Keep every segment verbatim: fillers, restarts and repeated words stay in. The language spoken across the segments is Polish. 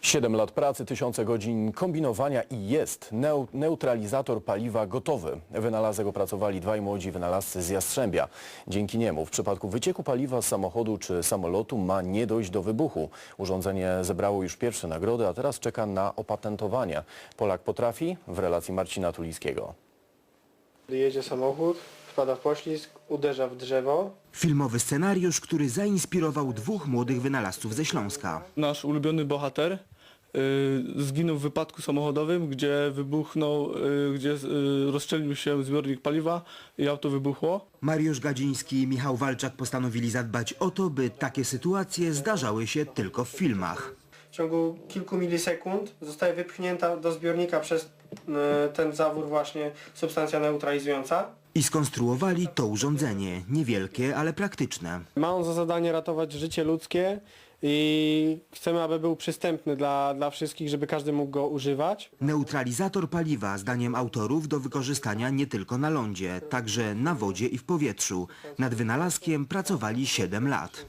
Siedem lat pracy, tysiące godzin kombinowania i jest neu neutralizator paliwa gotowy. Wynalazek opracowali dwaj młodzi wynalazcy z Jastrzębia. Dzięki niemu w przypadku wycieku paliwa z samochodu czy samolotu ma nie dojść do wybuchu. Urządzenie zebrało już pierwsze nagrody, a teraz czeka na opatentowanie. Polak potrafi w relacji Marcina Tulickiego. Jedzie samochód, wpada w poślizg, uderza w drzewo. Filmowy scenariusz, który zainspirował dwóch młodych wynalazców ze Śląska. Nasz ulubiony bohater y, zginął w wypadku samochodowym, gdzie wybuchnął, y, gdzie y, rozstrzelił się zbiornik paliwa i auto wybuchło. Mariusz Gadziński i Michał Walczak postanowili zadbać o to, by takie sytuacje zdarzały się tylko w filmach. W ciągu kilku milisekund zostaje wypchnięta do zbiornika przez y, ten zawór właśnie substancja neutralizująca. I skonstruowali to urządzenie, niewielkie, ale praktyczne. Ma on za zadanie ratować życie ludzkie i chcemy, aby był przystępny dla, dla wszystkich, żeby każdy mógł go używać. Neutralizator paliwa, zdaniem autorów, do wykorzystania nie tylko na lądzie, także na wodzie i w powietrzu. Nad wynalazkiem pracowali siedem lat.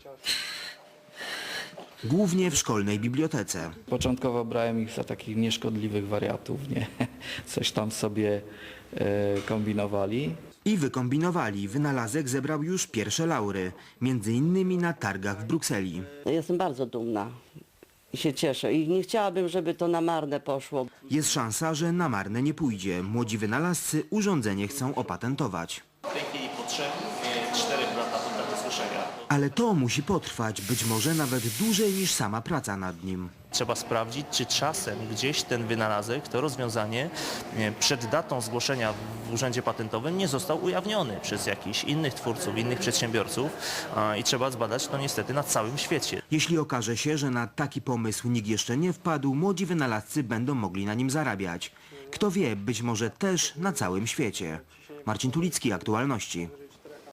Głównie w szkolnej bibliotece. Początkowo brałem ich za takich nieszkodliwych wariatów, nie? Coś tam sobie e, kombinowali. I wykombinowali. Wynalazek zebrał już pierwsze laury, między innymi na targach w Brukseli. Jestem bardzo dumna i się cieszę i nie chciałabym, żeby to na marne poszło. Jest szansa, że na marne nie pójdzie. Młodzi wynalazcy urządzenie chcą opatentować. W tej chwili po trzech, czterech latach od tego słyszenia. Ale to musi potrwać, być może nawet dłużej niż sama praca nad nim. Trzeba sprawdzić, czy czasem gdzieś ten wynalazek, to rozwiązanie przed datą zgłoszenia w Urzędzie Patentowym nie został ujawniony przez jakichś innych twórców, innych przedsiębiorców i trzeba zbadać to niestety na całym świecie. Jeśli okaże się, że na taki pomysł nikt jeszcze nie wpadł, młodzi wynalazcy będą mogli na nim zarabiać. Kto wie, być może też na całym świecie. Marcin Tulicki, Aktualności.